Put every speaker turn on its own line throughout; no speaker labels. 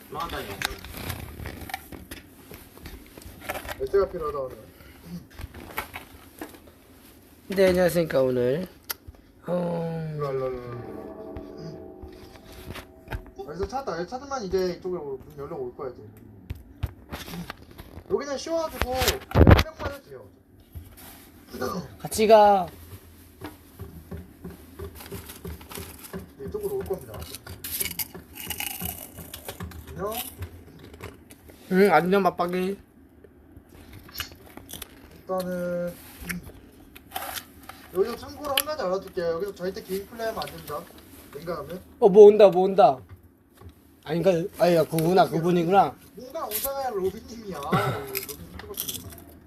망한다 이거.
열쇠가 필요하다 오늘.
네, 안녕하십니까. 오늘
일로. 여기서 찾았다. 여기 찾으면 이제 이쪽으로 문 열려 올 거야 이제. 여기는 쉬워가지고 한 명만 해도 돼요.
같이 가.
이쪽으로 올 겁니다. 안녕.
응, 안녕 맞박이.
일단은 여기서 참고로 한 가지 알려줄게요. 여기서 절대 개인 플레이하면 안 됩니다. 냉각하면
뭐 온다, 뭐 온다. 아닌가? 아니야, 그구나, 그분이구나.
뭔가 오다가야 로빈님이야. 로빈님 찍었습니다.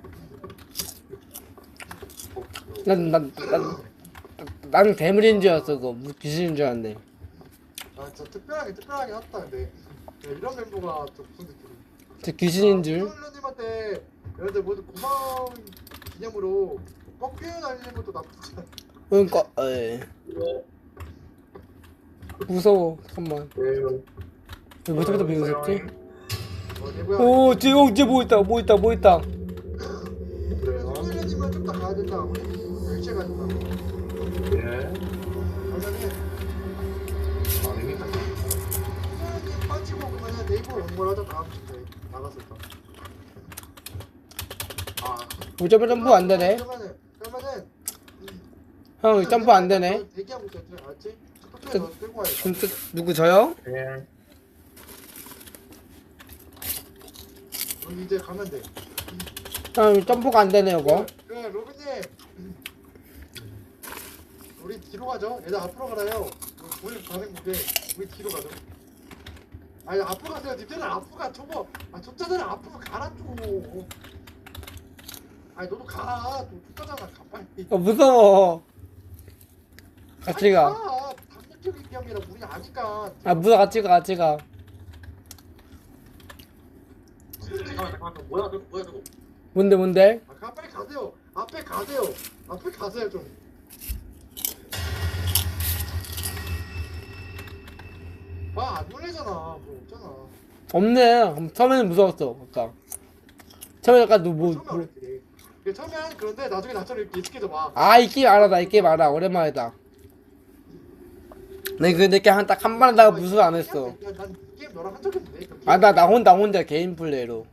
난 괴물인 줄 알았어. 그거 귀신인 줄 알았네.
아 진짜 특별하게 왔다 근데 이런 멤버가 좀 무슨 느낌이?
저 귀신인 줄.
님한테 여러분들 모두 고마운 기념으로 꺾여 날리는 것도 나쁘지 않아.
그러니까, 에. 무서워. 잠깐만. 왜 저기서 비웃었지?
얘구야.
오, 쟤 뭐 있다, 뭐 있다, 뭐 있다.
소일님은 좀 더 가야 된다. 우리 10시에 가야 된다.
예.
그러면은
아닙니다.
소일님 빠지고 그러면은 네이버 연결하자 다음 주에 나갔을 때.
아,
어차피 점프 안 되네.
그러면은
형, 점프 안 되네.
대기하고 있어. 알았지? 첫 너 끌고 와야 돼.
누구 저요?
예.
여기 이제 가면 돼.
형, 점프가 안 되네, 이거.
그래 로빈님. 우리 뒤로 가죠. 얘들 앞으로 가라요. 우리 가는 게 우리 뒤로 가죠. 아니 앞으로 가세요. 님들은 앞으로 가. 저거 쫓자들 앞으로 가라 좀. 아니 너도 가. 너 쫓자잖아. 가 빨리.
무서워. 같이 가.
단계적인 경기라 우리 아니까.
무서워, 같이 가, 같이 가.
잠깐만. 뭐야 저거?
뭔데?
빨리 가세요. 앞에 가세요. 앞에 가세요 좀. 안 놀래잖아. 뭐 없잖아.
없네. 처음에는 무서웠어, 아까. 처음에 약간
처음엔 그런데 나중에 나처럼 이렇게 익숙해져 봐.
이 게임 알아, 나 이 게임 알아. 오랜만이다. 네, 근데 딱 한 번 하다가 무술 안 했어.
난 게임 너랑 한 적이 없는데.
나 혼자 개인 플레이로.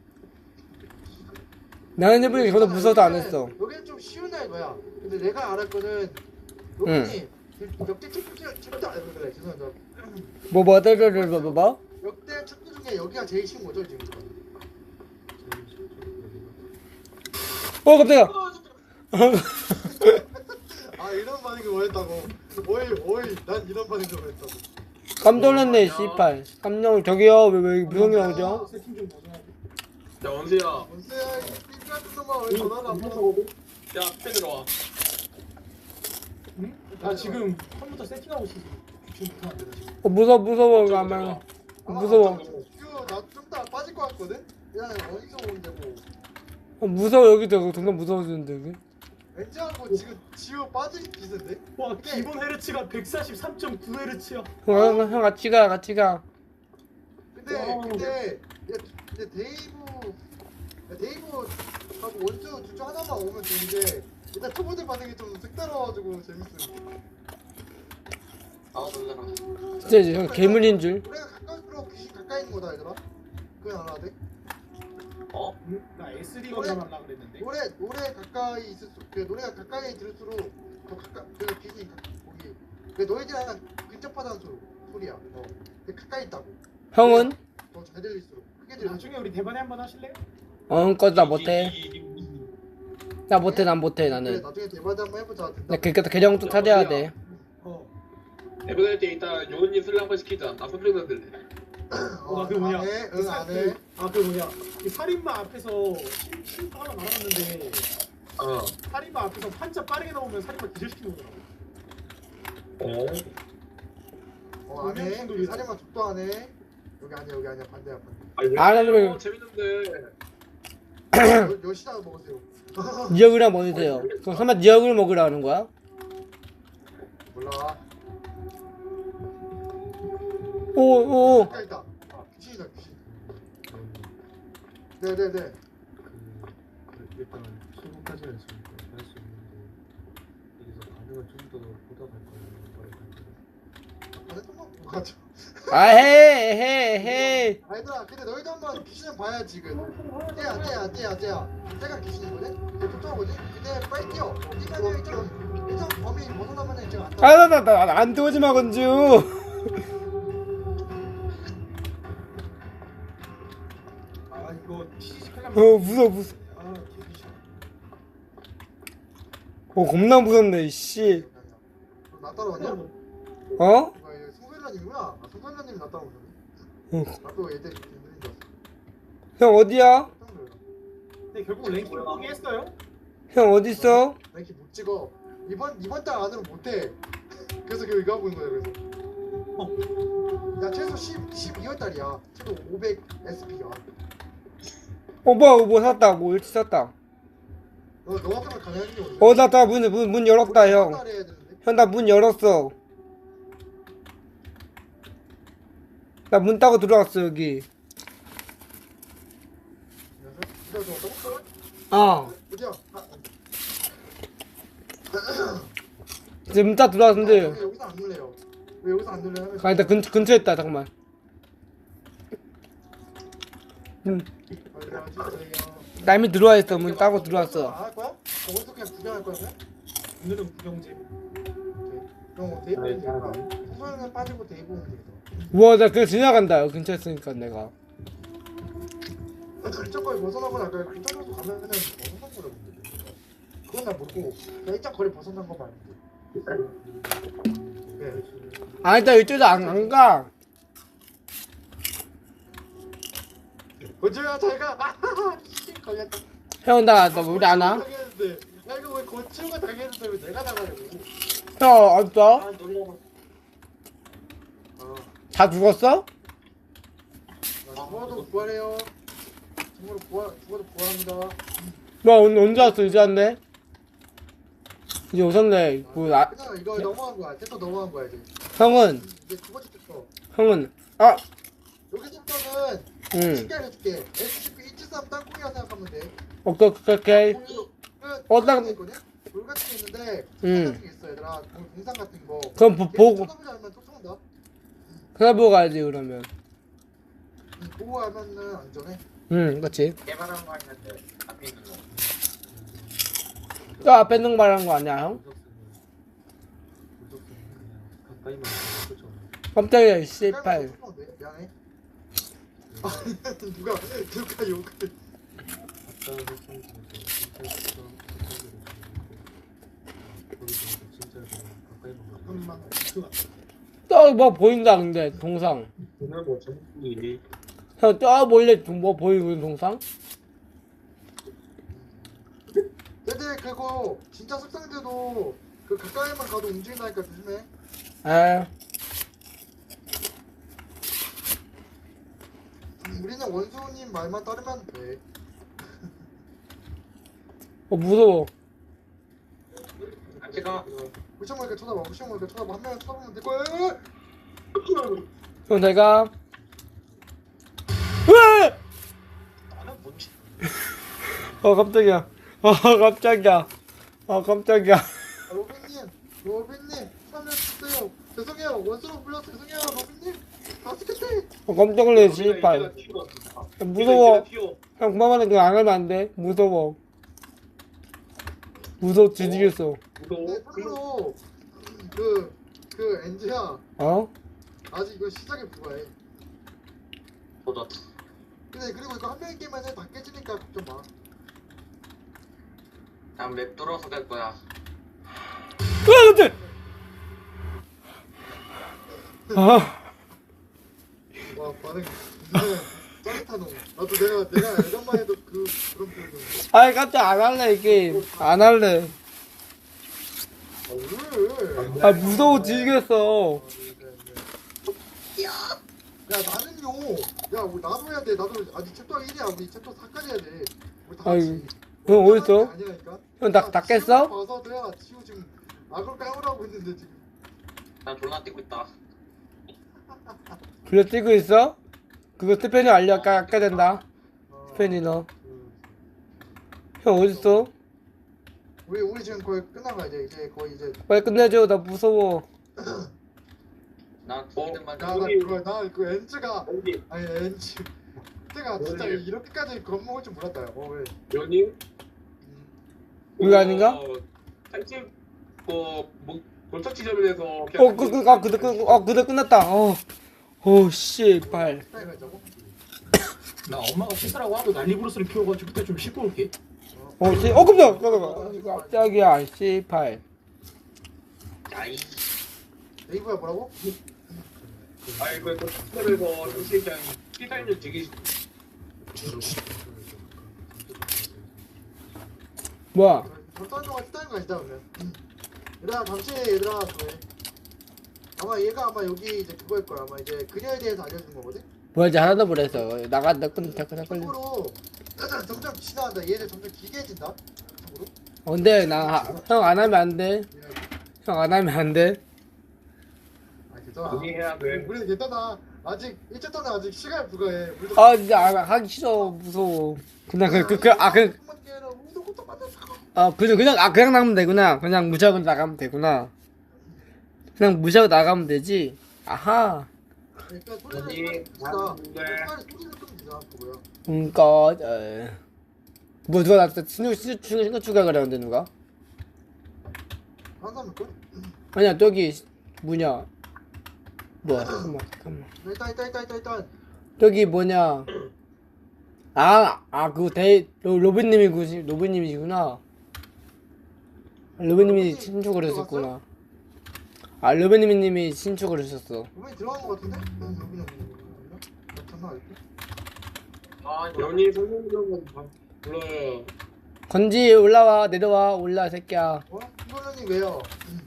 나는 해보니까 저도 무서워도 안 했어.
여기는 좀 쉬운 날 거야. 근데 내가 알았거든. 로빈이 역대 축구 그래 죄송합니다.
뭐?
역대 축구 중에 여기가 제일 쉬운 거죠 지금.
깜짝이야.
이런 반응을 원했다고. 오이 난 이런 반응을 원했다고.
깜짝 놀랐네, 씨발. 깜짝 저기요, 왜 무성이 나오죠?
야 원수야.
원수야 이 삐삐 같은 놈아 왜 전화를 안 받아?
야, 앞에 들어와.
나 지금 컴퓨터 세팅하고 있어서 지금 못하면 안 돼, 나 지금.
무서워,
저기
가면. 무서워.
나좀 더 빠질 것 같거든? 그냥 어디서 오는데 뭐.
무서워, 여기도 점점 무서워지는데, 여기.
왠지하고 지금 지우 빠질 기세인데?
와, 기본 헤르츠가 143.9헤르츠야.
형, 같이 가.
근데 데이브하고 원주 둘 중 하나만 오면 되는데 일단 초보들 반응이 좀 색다르가지고 재밌음.
놀라라.
진짜 이제 형 괴물인 줄.
노래가 가까울수록 귀신 가까이 있는 거다 얘들아. 그건 알아야 돼?
어?
나 S3 걸려하려고 그랬는데.
노래 가까이 있을수록 노래가 가까이 들을수록 더 그 귀신이 거기 너희들 하나 근접하다는 소리야. 근데 가까이 있다고.
형은?
더 잘 들릴수록 크게 들려.
나중에 우리 대반에 한번 하실래요?
나 못해. 난 못해,
그래
나는.
나중에 대바대 한번 해보자.
나 그니까 계정 또 찾아야 돼.
에버될 때 이따 요은님 술 한번 시키자. 나 소리 들래.
그 뭐냐?
안 해. 응, 안 해.
그 뭐냐? 이 살인마 앞에서 신고 하나 말았는데 살인마 앞에서 한자 빠르게 나오면 살인마 기절시키는 거더라고.
안 해. 사례만 족도 안 해. 여기 아니야. 반대야.
안 하면
재밌는데.
몇 시나 먹으세요?
니 얼굴이랑 먹으세요. 그럼 설마 니 얼굴 먹으라는 거야?
몰라.
오.
가까이 있다. 귀신이다 귀신.
저는
네네네.
일단 출근까지는 지금 할 수 있는데 여기서 반응을 좀 더 보다 갈 거예요. 머리 갈
안 했던 거 맞죠?
아, 해.
아이들아 근데 너희도 한번 귀신을 봐야 지금. 쟤야. 쟤가 귀신이거든. 얘 쫓아오거든. 근데 빨리 뛰어. 뛰면은 일정 범위 벗어나면은 제가 안 따라.
아, 나안 들어오지 마, 건주.
아 이거 TCC 하려면
무서워.
아 개귀신.
겁나 무섭네, 씨.
나 따라왔냐?
어?
송설라님이구나. 아 송설라님 나 따라오셨네.
응.
나도 애들 이렇게 있는 줄 알았어.
형, 어디야?
깜짝 놀랐어.
근데 결국 랭킹 포기했어요.
형, 어딨어?
나 이렇게 못 찍어. 이번 달 안으로 못해. 그래서 이거 하고 있는 거야. 그래서. 야 최소 12월 달이야. 최소 500 SP야.
뭐 샀다. 뭐 일찍 샀다.
너 같으면 가능한 게 없네.
나 문 열었다, 형.
달에 해야 되는데.
형, 나 문 열었어. 나 문 따고 들어왔어, 여기.
이거 좀 어떠고?
어.
어디야?
이제 문 따고 들어왔는데.
왜 여기서 안 눌래요? 왜 여기서 안 눌려요?
아, 일단 근처에 있다, 잠깐만. 나 이미 들어와 있어. 문 따고 들어왔어.
안할 거야? 어디서 그냥 구경할 거야? 그냥?
오늘은 구경제.
그럼 데이브 오면 되겠다. 소소는 빠지고 데이브 오면 되겠다.
우와, 나 그냥 지나간다. 여기 근처에 있으니까 내가.
일정 거리 벗어나거나 아까 근처로 가면은 벗어난 거라고 근데 그건 나 모르고 그냥 일정 거리 벗어난 거 말고. 네.
아, 일단 이쪽에서 안 가.
고추야 잘가. 걸렸다.
형, 나 우리 안 와?
당했는데. 야 이거 왜 고추가 당했는데 왜 내가 나가려고?
형, 없어?
아 놀러.
다 죽었어?
죽어도 부활해요. 죽어도 부활합니다.
너 언제 왔어? 이제 왔네? 이제 오셨네.
그냥 이거 넘어간 거야. 챕터 넘어간 거야 이제.
형은,
이제 두 번째 챕터.
아,
여기서부터는
응.
쉽게 알려줄게. SCP-173 땅콩이라 생각하면 돼.
오케이. 나-
돌 같은 게 있는데
응.
동상 같은 게 있어 얘들아. 동상 같은 거.
그럼 보고,
쳐다보지 않으면 쫓아온다.
찾아보고 가야지, 그러면.
보고 하면은 안전해.
응, 그치.
개발한 거 아닌데 앞에 있는 거.
저 앞에 있는 거 말하는 거 아니야, 형?
무섭으면 그냥 가까이만 가서 쫓아오는
깜짝이야, 씨발.
쫓아온대. 미안해. 아, 누가 욕을.
아까 설정에서 진짜 거기서 진짜 가까이만 가서
잠깐만. 그
뭐 보인다, 근데, 동상.
오늘 뭐 전국이
형, 몰래 뭐 보이는 동상?
근데 그거 진짜 습상대도 그 가까이만 가도 움직인다니까 조심해.
에,
우리는 원수님 말만 따르면 돼.
무서워.
제가
무시한 이렇게 쳐다봐. 이렇게 쳐다봐. 한 명은 쳐다보면 될 거야.
형, 내가. 으아!
나는 뭔지
깜짝이야. 깜짝이야.
로빈님, 살려주세요. 죄송해요. 원수로 불러 죄송해요, 로빈님. 아스케테.
깜짝 놀래, 씨발. 무서워. 형, 그만하면 그거 안 하면 안 돼. 무서워. 뒤지겠어.
네, 참고로 그 엔지야
어?
아직 이거 시작에 불과해.
보다
근데 그리고 이거 한 명이 게임만 다 깨지니까 걱정 마.
난맵 뚫어서 갈 거야.
깜짝!
와 반응 진짜 짜릿하노. 나도 내가 예전만 해도 그런 표현을.
아이, 깜짝 안 할래, 이 게임. 안 할래.
왜?
무서워 뒤지겠어.
야 나는요. 야 우리 나도 해야 돼. 나도 아직 챕터 1이야. 우리 챕터 4까지 해야 돼. 우리 다
아이고.
같이.
형, 어딨어?
아니라니까.
형, 다 깼어?
봐서 내가 지우 지금 악을 까오라고 있는데 지금.
난 졸라 뛰고 있다.
불려 뛰고 있어? 그거 스페니 알려 아까 된다.
어,
스페니 너.
그,
형 어딨어?
우리 지금 거의 끝난 거야 이제 거의 이제.
빨리 끝내줘. 나 무서워.
나 기능만
나그 엔즈가
여기
아니 엔즈 그때가 진짜
여기.
이렇게까지 겁먹을 줄 몰랐다. 왜?
연님
이거 아닌가?
살집 뭐 골목 지점에서
그대 끝났다. 씨발.
스타일가 있다고?
나 엄마가 씻으라고 하도 난리 부르스를 피워가지고 그때 좀 씻고 올게.
깜짝이야. 씨발.
아이
네이버야 뭐라고?
아이 그 골목집에서 당시 그냥 피살률 되게
뭐야?
어떤 동안 스타일인 거 아니다 그러면. 얘들아 잠시 얘들아 그래. 아마 얘가 아마 여기 이제 그거일 거야. 아마 이제 그녀에 대해서 알려주는 거거든.
뭐야 이제 하나도 모르겠어. 나간다 끊다 끊어 걸려.
참고로 점점 지나간다. 얘들 점점 기괴해진다. 참고로.
근데 나 형 안 하면 안 돼. 형 안 하면 안 돼.
아 괜찮아.
동의해야 돼.
우리는 괜찮아. 아직 1차 동안 아직 시간이 불가해. 우리도
아 진짜 하기 싫어. 무서워. 그냥 그냥 나가면 되구나. 그냥 무시하고 나가면 되구나. 그냥 무시하고 나가면 되지. 아하.
일단
언니,
소리를
나는데.
소리를 끄면 되잖아 그거야.
그니까 뭐 누가 나 신경 추가 그러는데 누가?
한 사람일 걸?
아니야 저기 뭐냐? 뭐야 잠깐만.
일단
저기 뭐냐? 그거 로빈님이시구나. 로빈님이 신축을 했었구나. 로빈님이 신축을 했었어.
로빈이 들어간 거 같은데? 로빈이 장난 아닐까?
아 연이 선생님은 불러요.
건지 올라와 내려와 올라 새끼야.
이거는 왜요?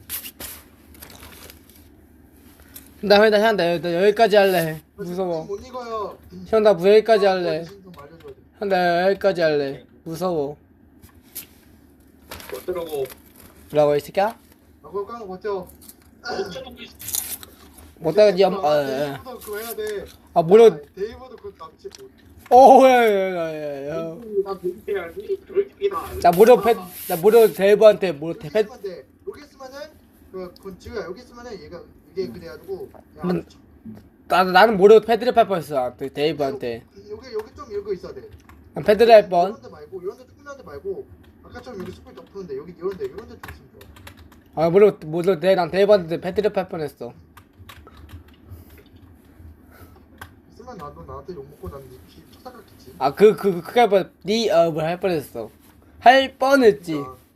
나 여기까지 할래. 무서워.
못 익어요.
형 나 여기까지 할래.
좀 알려줘야 돼.
형 나 여기까지 할래. 무서워.
어쩌라고
뭐라고 이 새끼야?
그거 까는 거 버텨.
어쩌라고
못다가 니
데이브도 그거 해야 돼.
뭐라?
데이브도 그거 납치.
야야야야.
나 동의해야지. 그렇게다.
나 모려 대부한테
여기
배.
있으면 돼. 여기 있으면은 그 지우야 여기 있으면은 얘가 이게 그래가지고. 야,
나는 모려 패드립 할 뻔했어. 데이브한테.
여기 좀 이거 있어야 돼.
패드립 할 뻔.
이런 데 말고 이런 데 조그만 데 말고 아까처럼 여기 숯불 덮는데 여기 이런 데 좀 있으면 좋아.
모려 난 데이브한테 패드립 할 뻔했어.
있으면 나한테 욕 먹고 난 니피 쫓아갔겠지.
그게 할 뻔. 할 뻔했어. 할 뻔했지.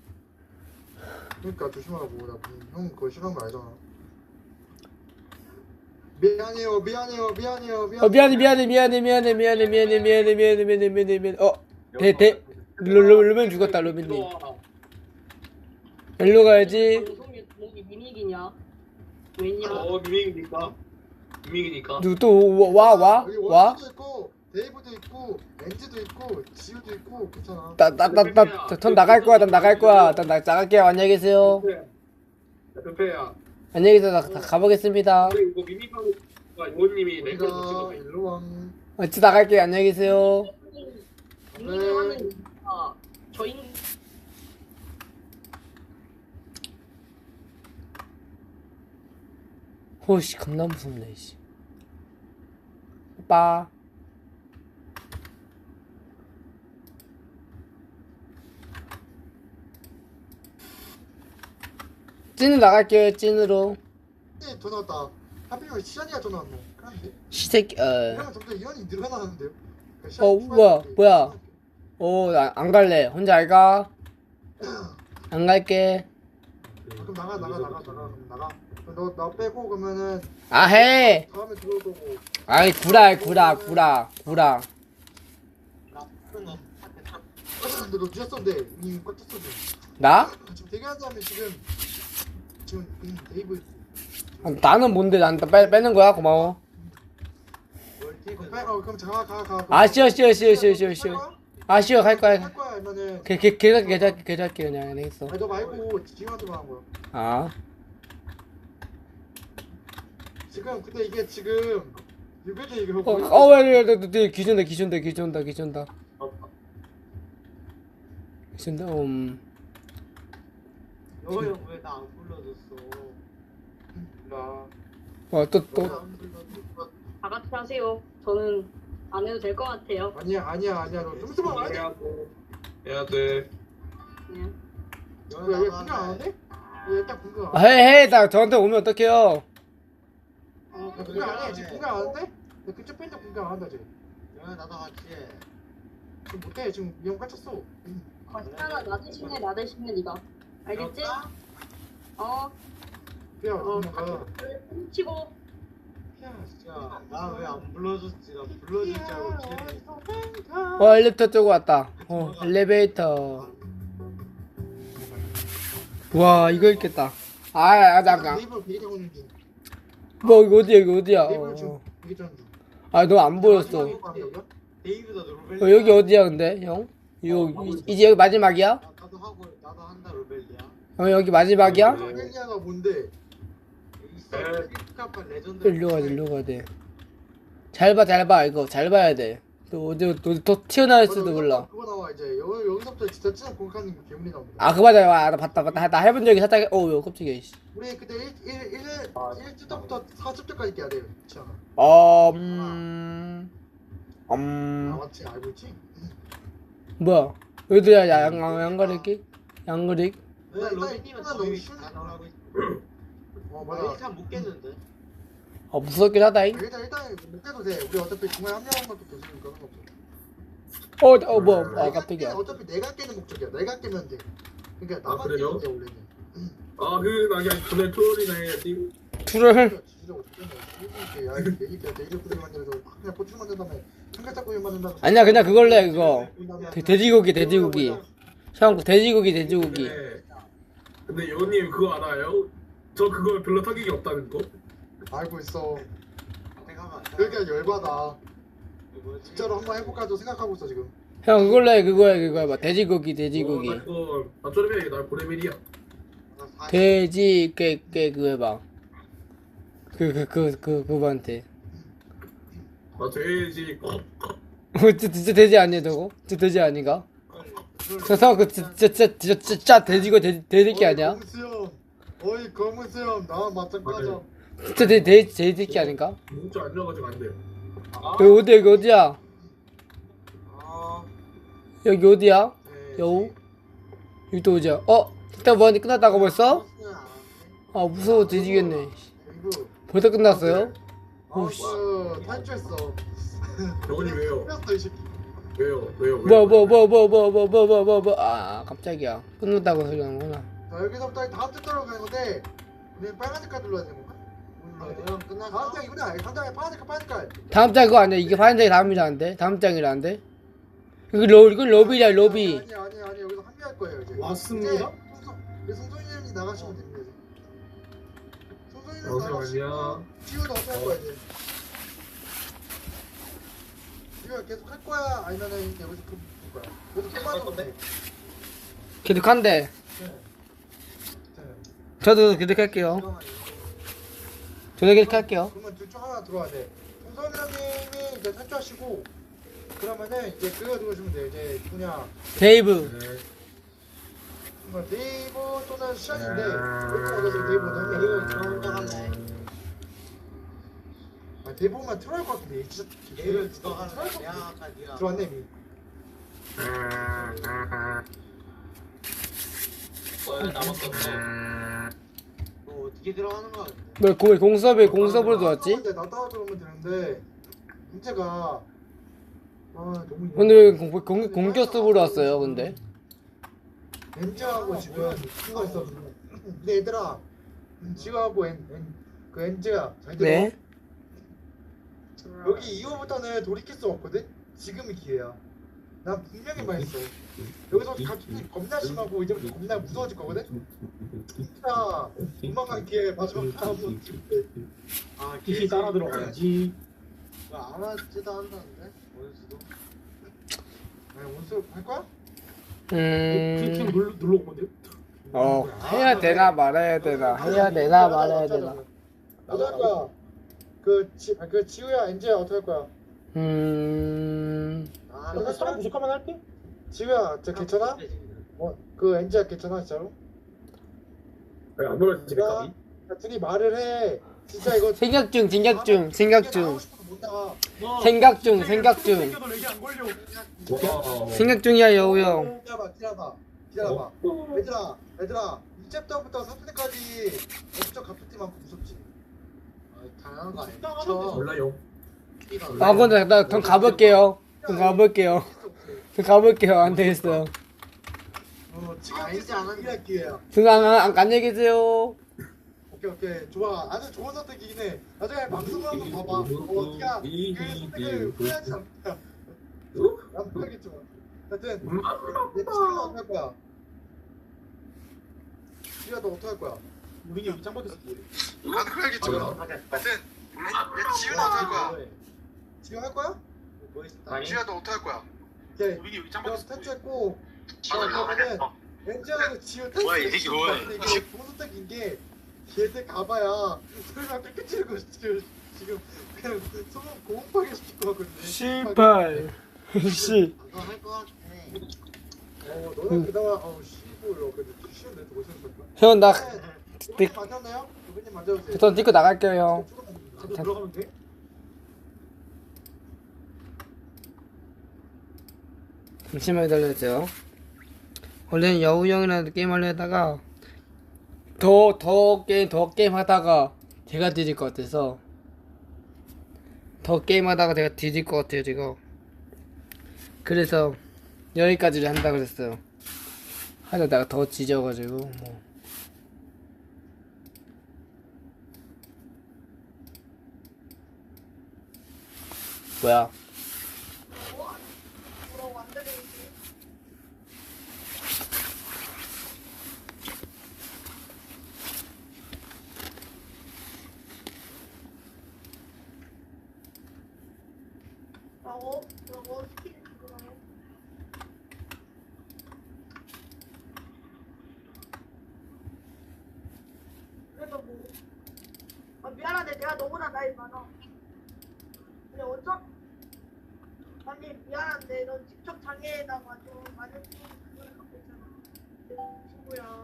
그러니까 조심하라고. 형 그거 싫어하는 거 알잖아. 미안해요.
미안해. 로빈 죽었다 로빈님. 일로 가야지.
방송이 미믹이냐? 왜냐?
미믹이니까.
누구 또 와?
여기 원수도 있고 데이브도 있고 엔지도 있고 지우도 있고 괜찮아.
전 나갈 거야. 난 나갈게요. 안녕히 계세요.
페페야.
안녕히 계세요. 나 가보겠습니다.
이거 미믹하고 요원님이 내 걸로
우리가
찍어서.
일로 왕.
어찌 나갈게요. 안녕히 계세요.
미믹을 하는 이유가 저인
호씨 겁나 무섭네. 씨. 오빠. 찐으로 나갈게요. 찐으로.
더 나왔다. 하필이면 시간이가 더 나왔노. 그런데
시새끼.
이러면 점점 인원이 늘어나는데요.
뭐야. 안 갈래. 혼자 안 가. 안 갈게.
그럼 나가. 그럼 나가. 그럼 너 빼고 그러면은
해.
다음에 들어올 거고.
아이 구라.
근데 너 늦었었는데 이미 꽉 찼어.
나?
지금 대기하는 사람이 지금 데이브.
나는 뭔데? 난 빼는 거야. 고마워.
그럼 가.
쉬어. 갈 거야.
할 거야 아니면은.
계좌할게 그냥. 알겠어.
아니 너 말고 지금한테 말한 거야.
아.
지금 근데 이게 지금 유배대 이거
왜, 기준다, 기준다. 기준다,
여가 형 왜 나 안 불러줬어?
몰라.
또,
안 불러줬어?
다 같이 하세요. 저는 안 해도 될 것 같아요.
아니야 너 좀 안 해?
해야 돼.
그냥.
왜 분명 안 하는데? 왜 일단 분명 안
해, 나 저한테 오면 어떡해요?
분명 안 해? 지금 분명 안 하는데? 나 근처 팬데 분명 안 한다 지금.
야 나도 같이 해.
지금 못해 지금 이형 갇혔어.
거시잖아. 나 대신에 네가. 알겠지? 어.
야
어.
엄마가
치고.
야 진짜.
야나 왜 안 불러줬지? 나 불러줄 줄 알고 기다리고.
엘리베이터 쪽으로 왔다. 엘리베이터. 와, 이거 있겠다. 잠깐.
네이버 베이고 있는 중.
뭐, 이거 어디야?
네이버 지금 베이 중.
너 안 보였어.
데이브다 로벨.
여기 어디야, 근데, 형? 이제 여기 마지막이야?
나도 하고 나도 한다 로벨리아.
여기 마지막이야?
헬리아가 뭔데?
있어. 필카파 레전드.
일로 가야 돼. 잘 봐, 이거. 잘 봐야 돼. 또 어디, 또 튀어나올 수도 몰라.
그거 나와 이제 여기서부터 진짜 찐 공카님 괴물이 나옵니다.
그 맞아. 나 봤다. 나 해본 적이 살짝, 요, 깜짝이야, 씨.
우리 그때 1주부터 4주까지 깨야 돼요. 그렇지 않아? 아 맞지 알고 있지?
뭐야? 어디야, 양거리기? 양거리?
왜 로벨님은
너무
너무
쉬운
다 나가고 있어.
맞아.
일단 못 깼는데.
무섭긴 하다잉.
일단 못 깨도 돼. 우리 어차피 중간에 한 명만 또 교수니까 상관없어.
뭐, 깜짝이야.
어차피 내가 깨는 목적이야. 내가 깨면 돼. 그러니까 나만
그래요?
깨면 돼 원래는.
나게 그날 토요일이나 해야지.
툴을,
진짜 어떻게 야 이거 내기야 내기구이 만들어서 그냥 고추 만든 다음에 삼겹살구이 만든다.
아니야, 그냥 그걸로 해, 그거. 돼지고기. 형, 돼지고기.
네. 근데 여우님 그거 알아요? 저 그거 별로 타격이 없다는 거?
알고 있어.
잠깐만.
그러니까 열받아.
뭐지?
진짜로 한번 해볼까도 생각하고 있어 지금.
형, 그걸로 해, 그거 해봐. 돼지고기.
나 그거 나 쪼르면 나 고레벨이야.
그거 해봐. 그분한테.
나 돼지.
진짜 돼지 아니야, 저거? 진짜 돼지 아닌가? 저 진짜 돼지새끼 아니야?
검수형. 어이 검수형 나 맞짱 까자.
진짜 돼지새끼 아닌가?
문자 안 넣어가지고 안 돼요.
여기 어디야?
아,
여기 어디야?
네.
여우? 여기 또 어디야? 일단 뭐하니 끝났다고 벌써?
버스는 안 왔네.
무서워 뒤지겠네.
이거.
벌써 끝났어요? 오씨.
탈주했어.
여우님 왜요?
끝났어 이 새끼.
왜요?
뭐. 깜짝이야. 끝났다고 소리 하는구나.
자 여기서부터 다음 주 따라가는 건데 우리 빨간 색깔 눌러야 되는 건가?
형 끝났어?
다음 장이구나. 다음 장에 파란 색깔.
다음 장 그거 아니야? 이게 파란색이 다음이라는데? 다음 장이라는데? 이건 로비야, 로비.
아니 여기서 합류할 거예요 이제.
왔습니다.
이제 송소희님이 나가시면 됩니다. 송소희님
잠시만요.
나가시고 지우도 어떻게 할 거야 이제? 지우가 계속 할 거야 아니면은 여기서 볼 거야? 여기서 끝나는 건데.
계속한대. 저도 계속할게요. 저도 계속할게요.
그러면 둘 중 하나 들어와야 돼. 송소희님이 이제 탈주하시고 그러면은 이제 그거 들어주면 돼요. 이제 누구냐?
데이브.
네이버 또는 시안인데 여기 얻어서 네이버 넣으면
이거 혼자 할래.
네이버만 틀어야 할 것 같은데 진짜
얘를 누가 하는 거야? 내가 아까 네가.
들어왔네 이미.
너 어떻게 들어가는 거야?
뭐 공섭으로 들어왔지?
나 따라 들어오면 되는데 문제가 너무
근데 왜 공격 수업으로 왔어요, 근데?
엔즈하고 지금 친구가 있어. 근데 얘들아 지우하고 그 엔즈야 잘 들어.
네.
여기 이후부터는 돌이킬 수 없거든. 지금이 기회야. 난 분명히 말했어. 여기서 갑자기 겁나 심하고 이제부터 겁나 무서워질 거거든. 진짜 도망간 기회 마지막 한번 줄게.
아,
기시 따라 들어가야지.
안 하지도 않는데? 원수도.
아니 원수 할 거야?
그냥 눌러 온 건데요?
해야 되나 말아야 되나. 해야 되나 말아야 되나.
나도 할 거야. 그 지우야 엔지야 어떻게 할 거야? 아,
나 사람 부족하면 할게.
지우야 저 괜찮아? 그 엔지야 괜찮아 진짜로?
안 보여 집에 가기.
야, 둘이 말을 해. 진짜 이거
생각 중 생각 중
못
생각 중 생각 중
생겨도 렉이 안 걸려.
생각 중이야 여우 형.
기다려봐. 얘들아, 이 챕터부터 3편까지 엄청 갑툭튀 많고 무섭지. 당연한 거 아니야?
몰라요.
아 근데 나 그럼 가볼게요. 그럼 가볼게요. 안 되겠어요.
지금 이제 안 하는 기회야.
안녕히 계세요.
오케이. 좋아. 아주 좋은 선택이긴 해. 나중에 방송을 한번 봐봐. 어떻게 그 선택을 후회하지 않다. 난 모르겠지만. 하여튼 내 지우가 어떻게 할 거야? 지우야 너 어떻게 할 거야?
우린이 여기 짱 박혔어.
나도 그래야겠지만. 하여튼 내 지우는 어떻게 할 거야? 지우 할 거야? 지우야 너 어떻게 할 거야? 오케이.
우린이 여기 짱
너
박혔어.
탈출했고 그러면은 엔지하고 지우 탈출했어. 근데 이거 좋은 선택인 게 걔들 가봐야 설마 깨끗이고 지금 그냥 소금 고급하게 시킬 거거든요.
씨발. 씨.
너는 그나마 씨부요. 근데 쉬운데 더 생각할까?
형 나
두분님 맞았나요? 두분님 맞아주세요.
전 찍고 나갈게요.
저도 들어가면 돼?
잠시만 기다려주세요. 원래는 여우 형이랑 게임 하려다가 더 게임 하다가 제가 뒤질 것 같아서 더 게임 하다가 제가 뒤질 것 같아요 지금. 그래서 여기까지를 한다 그랬어요. 하려다가 더 지져가지고 뭐. 뭐야?
뭐라고 시키는 거예요? 그래서 뭐 미안한데 내가 너보다 나이 많아. 근데 어쩌? 아니 미안한데 넌 직접 장애에다가 좀 많은 그걸 갖고 있잖아. 친구야.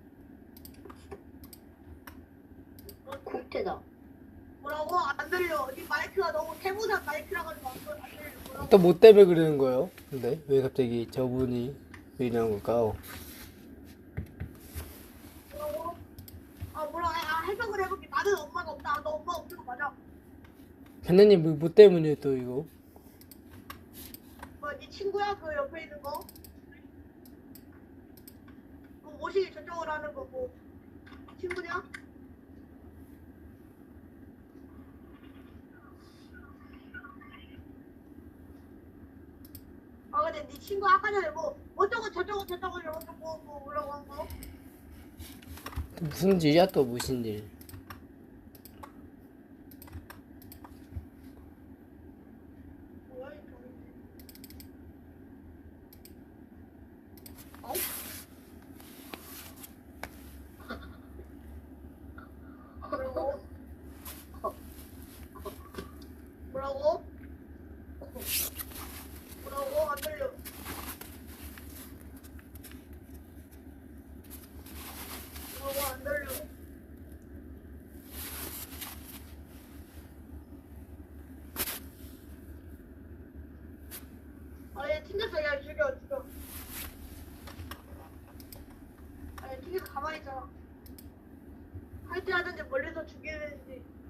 국태다.
뭐라고? 안 들려. 네 마이크가 너무 태무산 마이크라 가지고 안 들려. 뭐라고?
또 뭐 때문에 그러는 거예요? 근데 왜 갑자기 저분이 왜 이러는 걸까요?
뭐라고? 뭐라? 해석을 해볼게. 나는 엄마가 없다. 너 엄마 없는 거 맞아?
걔네님 뭐 때문에 또 이거?
네 친구야? 그 옆에 있는 거? 옷이 저쪽으로 하는 거고 친구냐? 근데 네 친구 아까 전에 뭐 저쪽은 이러면서 뭐 뭐라고 한 거?
무슨 일이야 또 무슨 일?
뭐야 이 뭐라고? 뭐라고? 뭐라고? 안 들려. 뭐라고 안 들려. 얘 튕겼어. 야 죽여. 얘 튕겨서 가만히 있잖아. 할 때 하든지 멀리서 죽이는지.